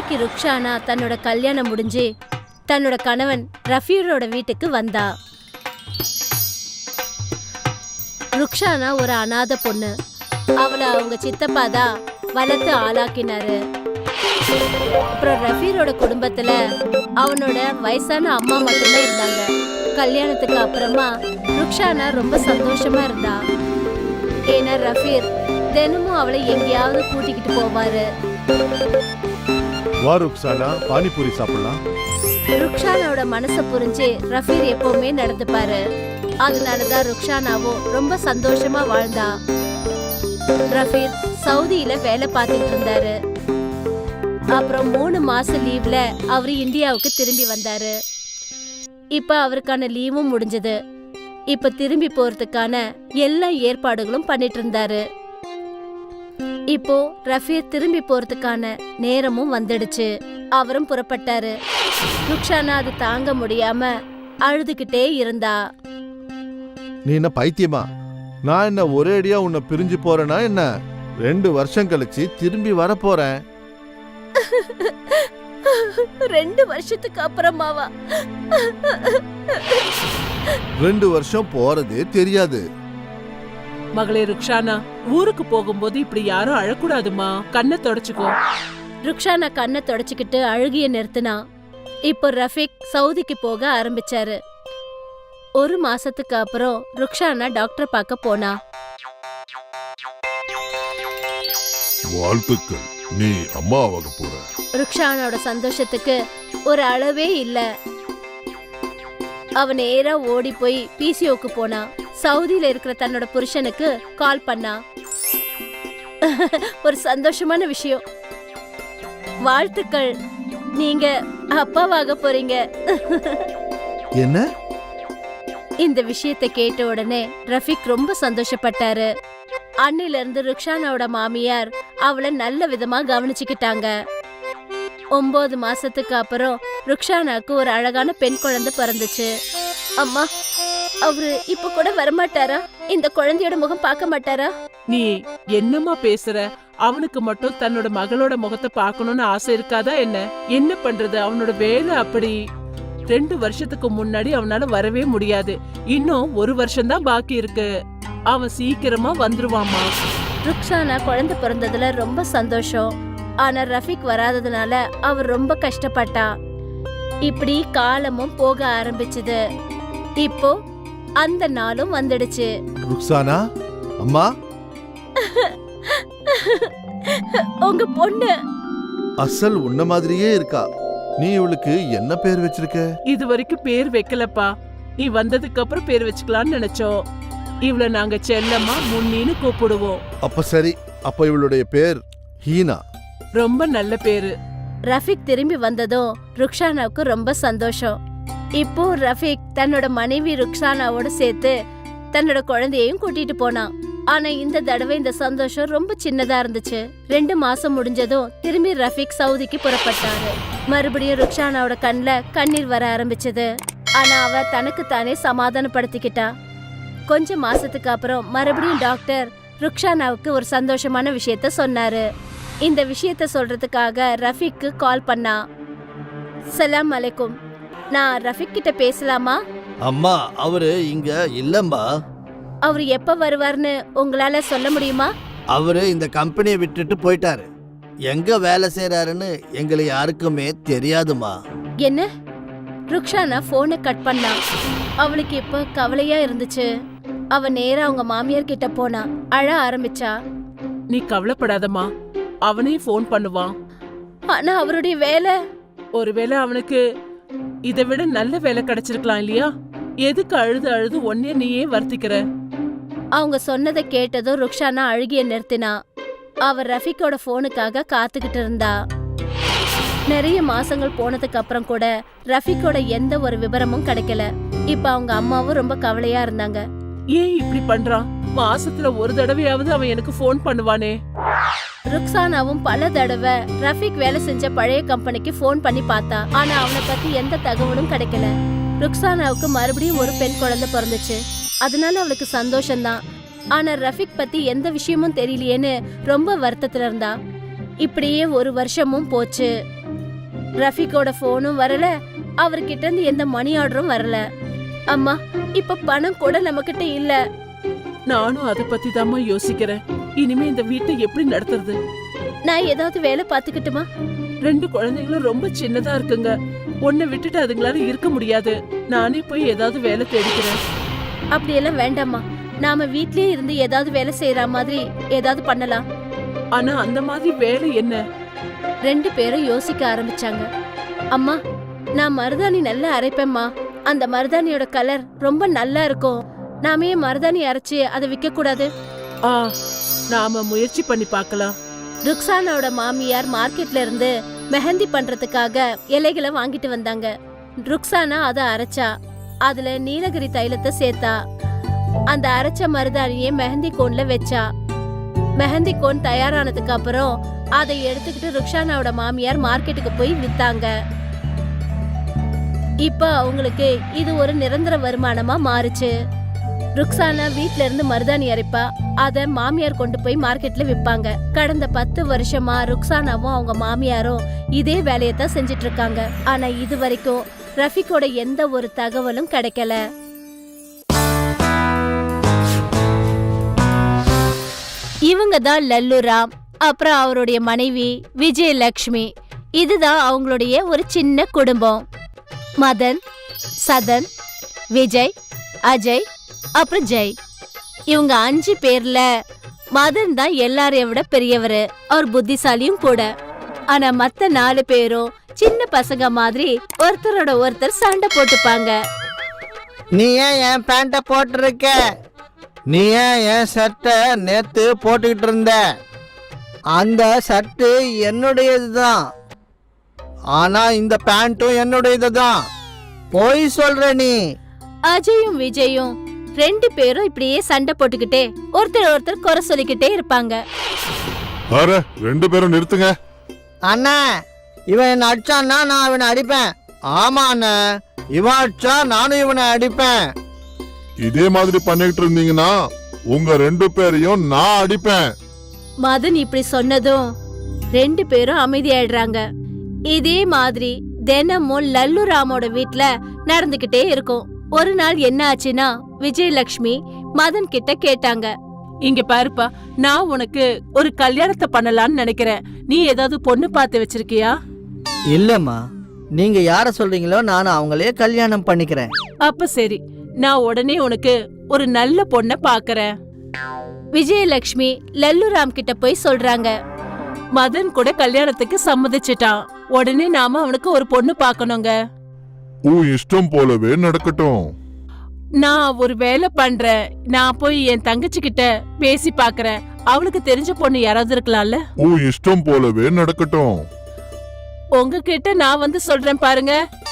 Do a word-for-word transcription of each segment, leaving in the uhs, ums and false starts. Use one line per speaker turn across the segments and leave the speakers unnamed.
அன்னைக்கு ருக்ஷானா தன்னோட கல்யாணம் முடிஞ்சு தன்னோட கணவன் ரஃபீரோட வீட்டுக்கு வந்தா. ருக்ஷானா ஒரு அனாதை பொண்ணு. அவளை அவங்க சித்தப்பா தான் வளர்த்து ஆளாக்கினாரு. அப்புறம் ரஃபீரோட குடும்பத்துல அவனோட வயசான அம்மா மட்டும்தான் இருந்தாங்க. கல்யாணத்துக்கு அப்புறமா ருக்ஷானா ரொம்ப சந்தோஷமா இருந்தா. ஏன்னா ரஃபீர் தினமும் அவளை எங்கேயாவது கூட்டிக்கிட்டு போவாரு.
வா ருக்ஷானா, பானிபூரி சாப்பிடலாம்.
ருக்ஷானாவோட மனசை புரிஞ்சு ரஃபீர் எப்பவுமே நடந்துப்பாரு. அதனாலதான் ருக்ஷானாவும் ரொம்ப சந்தோஷமா வாழ்ந்தா. ரஃபீர் சவுதியில வேலை பார்த்துட்டு இருந்தாரு. அப்புறம் மூணு மாசம் லீவ்ல அவரு இந்தியாவுக்கு திரும்பி வந்தாரு. இப்ப அவருக்கான லீவும் முடிஞ்சது. இப்ப திரும்பி போறதுக்கான எல்லா ஏற்பாடுகளும் பண்ணிட்டு இருந்தாரு. இப்போ ரஃபீர் திரும்பி போறதுக்கான நேரமும் வந்துடுச்சு. அவரும் புறப்பட்டாரு. ருக்ஷானா அது தாங்க முடியாம அழுதுகிட்டே இருந்தா.
நீ என்ன பைத்தியமா? நான் என்ன ஒரே அடியா உன்னை பிரிஞ்சு போறேனா என்ன? ரெண்டு வருஷம் கழிச்சு திரும்பி வர போறேன்.
ரெண்டு வருஷத்துக்கு அப்புறமாவா?
ரெண்டு வருஷம் போறதே தெரியாது.
மகளே ருக்ஷானா, ஊருக்கு போகும்போது இப்படி யாரும் அழக்கூடாதுமா. கண்ணை தொடச்சுக்கோ.
ருக்ஷானா கண்ணை தொடச்சுக்கிட்டு அழுகிய நிறுத்தினா. இப்போ ரஃபீக் சவுதிக்கு போக ஆரம்பிச்சாரு. ஒரு மாசத்துக்கு அப்புறம் ருக்ஷானா டாக்டர் பார்க்க போனா.
வாழ்த்துக்கள், நீ அம்மாவாக போற.
ருக்ஷானோட சந்தோஷத்துக்கு ஒரு அளவே இல்ல. அவ நேரா ஓடி போய் பிசிஓக்கு போனா. சவுதியில இருக்கிற தன்னோட புருஷனுக்கு கால் பண்ணா. ஒரு சந்தோஷமான விஷயம். வாழ்த்துக்கள், நீங்க அப்பாவாக போறீங்க.
என்ன?
இந்த விஷயத்தை கேட்ட உடனே ரஃபீக் ரொம்ப சந்தோஷப்பட்டாரு. அன்னில இருந்து ருக்ஷானாவோட மாமியார் அவளை நல்ல விதமா கவனிச்சுக்கிட்டாங்க. ஒன்பது மாசத்துக்கு அப்புறம் ருக்ஷானாக்கு ஒரு அழகான பெண் குழந்தை பிறந்துச்சு. அம்மா, அவரு இப்ப கூட வரமாட்டாரா? இந்த குழந்தையோட முகம் பார்க்க மாட்டாரா?
நீ என்னமா பேசுற? அவனுக்கு மட்டும் தன்னோட மகளோட முகத்தை பார்க்கணும்னு ஆசை இருக்காதா என்ன? என்ன பண்றது, அவனோட வேலை அப்படி. ரெண்டு வருஷத்துக்கு முன்னாடி அவனால வரவே முடியாது. இன்னும் ஒரு வருஷம் தான் பாக்கி இருக்கு. அவன் சீக்கிரமா வந்துருவாமா.
ருக்ஷானா குழந்தை பிறந்ததுல ரொம்ப சந்தோஷம். ஆனா ரஃபீக் வராததுனால அவர் ரொம்ப கஷ்டப்பட்டா. இப்படி காலமும் போக ஆரம்பிச்சது. இப்போ அந்த நாளும் வந்துடுச்சு.
ருக்ஷானா அம்மா,
உங்க பொண்ணு
அசல் உன்ன மாதிரியே இருக்கா. நீ இவளுக்கு என்ன பேர் வச்சிருக்க?
இது வரைக்கும் பேர் வைக்கலப்பா. நீ வந்ததுக்கு அப்புறம் பேர் வச்சுக்கலாம்னு நினைச்சோம். இவளை நாங்க செல்லம்மா முன்னின்னு கூப்பிடுவோம்.
அப்ப சரி, அப்ப இவளுடைய பேர் ஹீனா.
ரொம்ப நல்ல பேரு.
ரஃபீக் திரும்பி வந்ததும் ருக்ஷானாவுக்கு ரொம்ப சந்தோஷம். இப்போ ரஃபீக் தன்னோட மனைவி ருக்ஷானாவோட சேர்த்து தன்னோட குழந்தையையும் கூட்டிட்டு போனான். ஆனா இந்த தடவை இந்த சந்தோஷம் ரொம்ப சின்னதா இருந்துச்சு. ரெண்டு மாசம் முடிஞ்சதும் திரும்பி ரஃபீக் சவுதிக்கு புறப்பட்டாரு. மறுபடியும் ருக்ஷானாவோட கண்ணுல கண்ணீர் வர ஆரம்பிச்சது. ஆனா அவ தனக்கு தானே சமாதானப்படுத்திக்கிட்டா. கொஞ்ச மாசத்துக்கு அப்புறம் மறுபடியும் டாக்டர் ருக்ஷானாவுக்கு ஒரு சந்தோஷமான விஷயத்த சொன்னாரு. இந்த விஷயத்த சொல்றதுக்காக ரஃபீக்கு கால் பண்ணா. சலாம் அலைக்கும், நான் ரஃபீக் கிட்ட பேசலாமா?
அம்மா, அவரு இங்க இல்லம்மா.
அவரு எப்ப வருவார்னு உங்களால சொல்ல முடியுமா?
அவரு இந்த கம்பெனியை விட்டுட்டு போயிட்டாரு. எங்க வேலை செய்யறாருன்னு எங்களை யாருக்குமே தெரியாதுமா.
என்ன? ருக்ஷானா போனை கட் பண்ணா. அவளுக்கு இப்ப கவலையா இருந்துச்சு. அவ நேரா அவங்க மாமியார் கிட்ட போனா. அழ ஆரம்பிச்சா.
நீ கவலைப்படாதம்மா, அவனே போன் பண்ணுவான்.
ஆனா அவருடைய வேலை.
ஒருவேளை அவனுக்கு இதை விட நல்ல வேலை கிடைச்சிருக்கலாம் இல்லையா? எதுக்கு அழுது அழுது ஒன்னே நீயே வருத்திக்கிற?
அவங்க சொன்னதை கேட்டதும் ருக்ஷானா அழுகிய நிறுத்தினா. அவர் ரஃபீக்கோட போனுக்காக காத்துக்கிட்டு இருந்தா. நிறைய மாசங்கள் போனதுக்கு அப்புறம் கூட ரஃபீக்கோட எந்த ஒரு விபரமும் கிடைக்கல. இப்ப அவங்க அம்மாவும் ரொம்ப கவலையா இருந்தாங்க.
ஏன் இப்படி பண்றான்? மாசத்துல ஒரு தடவையாவது அவன் எனக்கு போன் பண்ணுவானே.
ருக்ஸானாவும் பல தடவை ரஃபீக் வேலை செஞ்ச பழைய கம்பெனிக்கு போன் பண்ணி பார்த்தா. ஆனா அவனை பத்தி எந்த தகவலும் கிடைக்கல. ருக்ஸானாவுக்கு மறுபடியும் ஒரு பெண் குழந்தை பிறந்துச்சு. அதனால அவளுக்கு சந்தோஷம்தான். ஆனா ரஃபீக் பத்தி எந்த விஷயமும் தெரியலையேன்னு ரொம்ப வருத்தத்துல இருந்தா. இப்படியே ஒரு வருஷமும் போச்சு. ரஃபிகோட போனும் வரல, அவர்கிட்ட இருந்து எந்த மணி ஆர்டரும் வரல. அம்மா, இப்ப பணம் கூட நம்ம கிட்ட இல்ல.
நானும் அதை பத்தி தாம்மா யோசிக்கிறேன். இனிமே இந்த வீட்டை எப்படி நடத்துறது?
நான் ஏதாவது வேலை பாத்துக்கிட்டுமா?
ரெண்டு குழந்தைங்களும் ரொம்ப சின்னதா இருக்குங்க. உன்னை விட்டுட்டு அதுங்களால இருக்க முடியாது. நானே போய் ஏதாவது வேலை தேடிக்கிறேன்.
அப்படியெல்லாம் வேண்டாம்மா. நாம வீட்லயே இருந்து ஏதாவது வேலை செய்யற மாதிரி ஏதாவது பண்ணலாம்.
ஆனா அந்த மாதிரி வேலை என்ன?
ரெண்டு பேரும் யோசிக்க ஆரம்பிச்சாங்க. அம்மா, நான் மருதாணி நல்லா அரைப்பேம்மா. அந்த மருதாணியோட கலர் ரொம்ப நல்லா இருக்கும். நாமே மருதாணி அரைச்சு அதை விற்க கூடாது?
ஆ, நாம முயற்சி பண்ணி பார்க்கலாம்.
ருக்ஸானாவோட மாமியார் மார்க்கெட்ல இருந்து மெஹந்தி பண்றதுக்காக இலைகளை வாங்கிட்டு வந்தாங்க. ருக்ஸானா அதை அரைச்சா. அதுல நீலகிரி தைலத்தை சேர்த்தா. அந்த அரைச்ச மருதாணியை மெஹந்தி கோன்ல வச்சா. மெஹந்தி கோன் தயாரானதுக்கு அப்புறம் அதை எடுத்துக்கிட்டு ருக்ஸானாவோட மாமியார் மார்க்கெட்டுக்கு போய் வித்தாங்க. இப்ப அவங்களுக்கு இது ஒரு நிரந்தர வருமானமா மாறுச்சு. ருக்ஸானா வீட்ல இருந்து மருதாணி அரைப்பா. அத மாமியார் கொண்டு போய் மார்க்கெட்ல விப்பாங்க. கடந்த பத்து வருஷமா ருக்ஸானாவும் அவங்க மாமியாரும் இதே வேலையத்தான் செஞ்சிட்டு இருக்காங்க. ஆனா இது வரைக்கும் ரஃபிகோட எந்த ஒரு தகவலும் கிடைக்கல. இவங்க தான் லல்லுராம், அப்புறம் அவருடைய மனைவி விஜயலட்சுமி. இதுதான் அவங்களுடைய ஒரு சின்ன குடும்பம். மதன், சதன், விஜய், அஜய், அப்புறம் ஜெய். இவங்க அஞ்சு பேர்ல மதன் தான் எல்லாரையும் விட பெரியவரு. அவர் புத்திசாலியும் கூட. ஆனா மத்த நாலு பேரும் சின்ன பசங்க மாதிரி ஒருத்தரோட ஒருத்தர் சண்டை போட்டுப்பாங்க.
நீ ஏன் என் பேண்ட போட்டிருக்க? நீ ஏன் என் சட்டை நேத்து போட்டுக்கிட்டு இருந்த? அந்த சட்டு என்னுடையது தான். ஆனா இந்த பேண்ட்டும் என்னுடையது தான். போய் சொல்ற நீ.
அஜயும் விஜயும் ரெண்டு பேரும் இப்படியே சண்டை போட்டுக்கிட்டே ஒருத்தர் ஒருத்தர் குறை சொல்லிக்கிட்டே இருப்பாங்க.
அரே, ரெண்டு பேரும் நிறுத்துங்க.
அண்ணா, இவன் என்ன அடிச்சான்னா நான் இவனை அடிப்பேன். ஆமா அண்ணா, இவன் அடிச்சா நானும் இவனை அடிப்பேன்.
இதே மாதிரி பண்ணிட்டு இருந்தீங்கன்னா உங்க ரெண்டு பேரையும் நான் அடிப்பேன்.
மதன் இப்படி சொன்னதும் ரெண்டு பேரும் அமைதியாயிடுறாங்க. இதே மாதிரி தினமும் லல்லுராமோட வீட்ல நடந்துகிட்டே இருக்கும். ஒரு நாள் என்ன ஆச்சுன்னா, விஜயலட்சுமி மதன் கிட்ட கேட்டாங்க.
இங்க பாருப்பா, நான் உனக்கு ஒரு கல்யாணத்தை பண்ணலாம்னு நினைக்கிறேன். நீ ஏதாவது பொண்ணு பார்த்து வச்சிருக்கியா?
இல்லம்மா, நீங்க யார சொல்றீங்களோ நான் அவங்களே கல்யாணம் பண்ணிக்கிறேன்.
அப்ப சரி, நான் உடனே உனக்கு ஒரு நல்ல பொண்ண பாக்குறேன்.
விஜயலட்சுமி லல்லுராம் கிட்ட போய் சொல்றாங்க.
மதன் கூட கல்யாணத்துக்கு சம்மதிச்சிட்டான். உடனே நாம அவனுக்கு ஒரு பொண்ணு பாக்கணுங்க.
உன் இஷ்டம் போலவே நடக்கட்டும்.
நான் ஒரு வேலை பண்றேன். நான் போய் என் தங்கச்சி கிட்ட பேசி பாக்குறேன். அவளுக்கு தெரிஞ்ச பொண்ணு யாராவது இருக்கலாம்ல?
உன் இஷ்டம் போலவே நடக்கட்டும்.
உங்ககிட்ட நான் வந்து சொல்றேன் பாருங்க.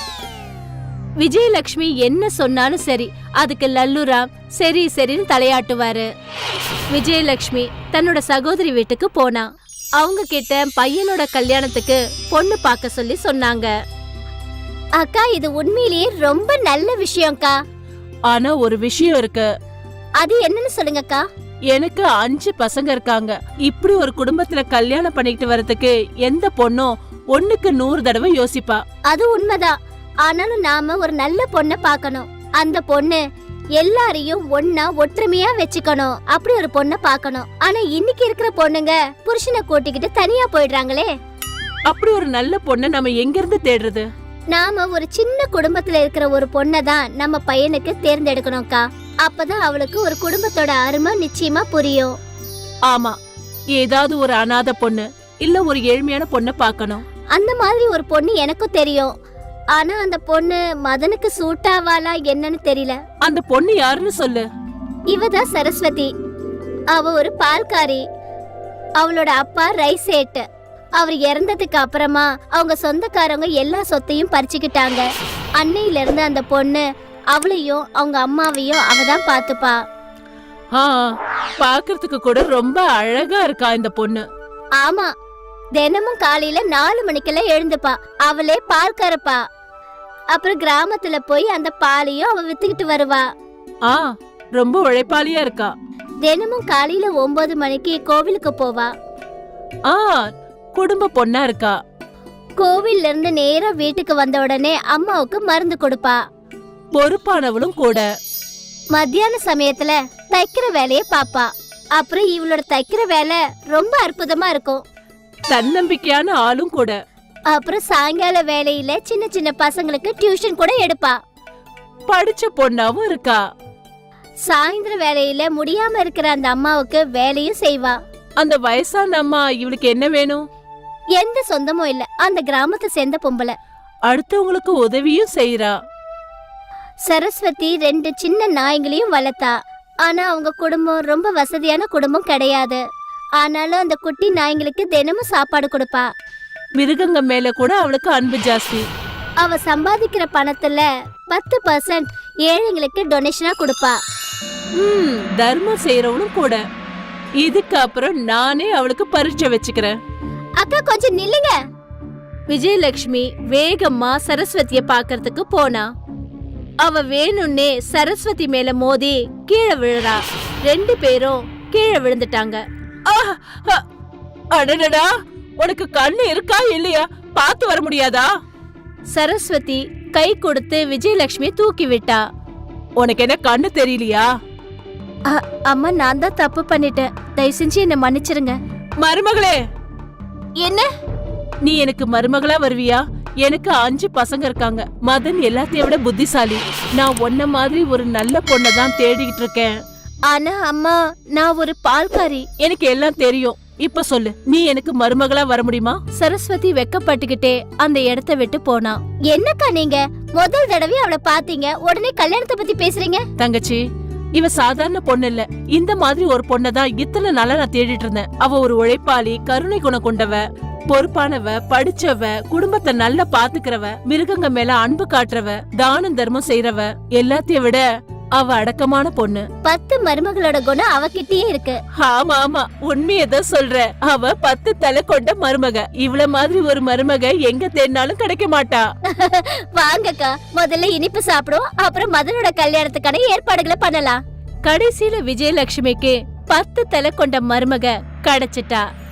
விஜயலட்சுமி என்ன சொன்னாலும் சரி, அதுக்கு லல்லுராம் சரி சரின்னு தலையாட்டுவாரு. விஜயலட்சுமி தன்னோட சகோதரி வீட்டுக்கு போனா. அவங்க கிட்ட பையனோட கல்யாணத்துக்கு பொண்ணு பார்க்க சொல்லி சொன்னாங்க. அக்கா, இது உண்மையிலேயே ரொம்ப நல்ல விஷயம்க்கா.
ஆனா ஒரு விஷயம் இருக்கு.
அது என்னன்னு சொல்லுங்கக்கா.
எனக்கு அஞ்சு பசங்க இருக்காங்க. இப்படி ஒரு குடும்பத்துல கல்யாணம் பண்ணிட்டு வரதுக்கு எந்த பொண்ணும் ஒண்ணுக்கு நூறு தடவை யோசிப்பா.
அது உண்மைதான். ஆனாலும் நாம ஒரு நல்ல பொண்ணை பார்க்கணும். அந்த பொண்ணு எல்லாரையும் ஒன்னா ஒற்றுமையா வச்சுக்கணும். அப்படி ஒரு பொண்ணை பார்க்கணும். ஆனா இன்னைக்கு இருக்கிற பொண்ணுங்க புருஷனை கூட்டிக்கிட்டு தனியா போயிடுறாங்களே.
அப்படி ஒரு நல்ல பொண்ணை நம்ம எங்க இருந்து தேடுறது?
நாம ஒரு சின்ன குடும்பத்துல இருக்கிற ஒரு பொண்ணை தான் நம்ம பையனுக்கு தேர்ந்தெடுக்கணும்க்கா. அப்பதான் அவளுக்கு ஒரு குடும்பத்தோட அருமை நிச்சயமா புரியும்.
ஆமா, ஏதாவது ஒரு அனாதை பொண்ணு இல்ல ஒரு ஏழ்மையான பொண்ணை பார்க்கணும்.
அந்த மாதிரி ஒரு பொண்ணு எனக்கும் தெரியும். ஆனா அந்த பொண்ணு மதனுக்கு சூட் ஆவாளா என்னன்னு தெரியல.
அந்த பொண்ணு யாருன்னு சொல்லு.
இவதான் சரஸ்வதி. அவ ஒரு பால்காரி. அவளோட அப்பா ரைசேட். அவர் இறந்ததுக்கு அப்புறமா அவங்க சொந்தக்காரங்க எல்லா சொத்தையும் பறிச்சுக்கிட்டாங்க. அன்னையில இருந்து அந்த பொண்ணு அவளையும் அவங்க அம்மாவையும் அவதான் பாத்துப்பா.
ஆ, பாக்குறதுக்கு கூட ரொம்ப அழகா இருக்கா இந்த பொண்ணு.
ஆமா, தினமும் காலையில நாலு மணிக்கெல்லாம் எழுந்துப்பா. அவளே பால் கறப்பா. அப்புறம் கிராமத்துல போய் அந்த பாலையும் அவ வித்துக்கிட்டு வருவா.
ஆ, ரொம்ப உழைப்பாளியா இருக்கா.
தினமும் காலையில ஒன்பது மணிக்கு கோவிலுக்கு போவா.
ஆ, குடும்ப பொண்ணா இருக்கா.
கோவில்ல இருந்து நேரா வீட்டுக்கு வந்த உடனே அம்மாவுக்கு மருந்து கொடுப்பா.
பொறுப்பானவளும் கூட.
மத்தியான சமயத்துல தைக்கிற வேலைய பாப்பா. அப்புறம் இவளோட தைக்கிற வேலை ரொம்ப அற்புதமா இருக்கும்.
தன்னம்பிக்கையான ஆளும் கூட.
அப்புறம் சாயங்கால வேலையில சின்ன சின்ன பசங்களுக்கு டியூஷன் கூட எடுப்பா.
படிச்ச பொண்ணாவும் இருக்கா.
சாயந்தர வேலையில முடியாம இருக்கிற அந்த அம்மாவுக்கு வேலையும் செய்வா.
அந்த வயசான அம்மா இவளுக்கு என்ன வேணும்?
எந்த சொந்தமும் இல்ல, அந்த கிராமத்தை சேர்ந்த பொம்பளை.
அடுத்தவங்களுக்கு உதவியும் செய்யறா.
சரஸ்வதி ரெண்டு சின்ன நாய்களையும் வளர்த்தா. ஆனா அவங்க குடும்பம் ரொம்ப வசதியான குடும்பம் கிடையாது. ஆனாலும் அந்த குட்டி நாய்களுக்கு தினமும் சாப்பாடு கொடுப்பா.
மிருகங்க மேல கூட அவளுக்கு அன்பு ஜாஸ்தி.
அவ சம்பாதிக்கிற பணத்துல பத்து பர்சன்ட் ஏழைங்களுக்கு டொனேஷனா கொடுப்பா.
ம், தர்மம் செய்யறவனும் கூட. இதுக்கு அப்புறம் நானே அவளுக்கு பரீட்சை வச்சுக்கிறேன்.
அக்கா கொஞ்சம் நில்லுங்க. விஜயலட்சுமி வேகமா சரஸ்வதிய பாக்கிறதுக்கு போனா. அவ வேணும்னே சரஸ்வதி மேல மோதி கீழே விழுறா. ரெண்டு பேரும் கீழே விழுந்துட்டாங்க.
அடடடா, உனக்கு கண்ணு இருக்கா இல்லையா? பார்த்து வர முடியாதா?
சரஸ்வதி கை கொடுத்து விஜயலட்சுமி தூக்கி விட்டா.
உனக்கு என்ன கண்ணு தெரியலையா?
அம்மா, நான் தான் தப்பு பண்ணிட்டேன், தயவு செஞ்சு என்ன மன்னிச்சிருங்க.
மருமகளே,
என்ன
நீ எனக்கு மருமகளா வருவியா? எனக்கு அஞ்சு பசங்க இருக்காங்க. மதன் எல்லாத்தையும் விட புத்திசாலி. நான் உன்ன மாதிரி ஒரு நல்ல பொண்ணை தான் தேடிக்கிட்டு இருக்கேன்.
ஆனா அம்மா, நான் ஒரு பால்காரி.
எனக்கு எல்லாம் தெரியும். இப்ப சொல்லு, நீ எனக்கு மருமகளா வர முடியுமா?
சரஸ்வதி வெக்கப்பட்டுக்கிட்டே அந்த இடத்தை விட்டு போனா. என்னக்கா நீங்க முதல் தடவை அவளை பாத்தீங்க, உடனே கல்யாணத்தை பத்தி பேசுறீங்க?
தங்கச்சி, இவ சாதாரண பொண்ணு இல்ல. இந்த மாதிரி ஒரு பொண்ணதான் இத்தனை நாளா நான் தேடிட்டு இருந்தேன். அவ ஒரு உழைப்பாளி, கருணை குணம் கொண்டவ, பொறுப்பானவ, படிச்சவ, குடும்பத்தை நல்லா பாத்துக்கிறவ, மிருகங்க மேல அன்பு காட்டுறவ, தானம் தர்மம் செய்யறவ. எல்லாத்தையும் விட அவ அடக்கமான பொண்ணு.
பத்து மருமகளோட குணம் அவகிட்டயே இருக்கு.
ஆமா ஆமா, உண்மையதான் சொல்ற. அவ பத்து தலை கொண்ட மருமக. இவ்வளவு மாதிரி ஒரு மருமக எங்க தேடினாலும் கிடைக்க மாட்டா.
வாங்கக்கா, முதல்ல இனிப்பு சாப்பிடுவோம், அப்புறம் மதனோட கல்யாணத்துக்கான ஏற்பாடுகளை பண்ணலாம். கடைசியில விஜயலட்சுமிக்கு பத்து தலை கொண்ட மருமக கிடைச்சிட்டா.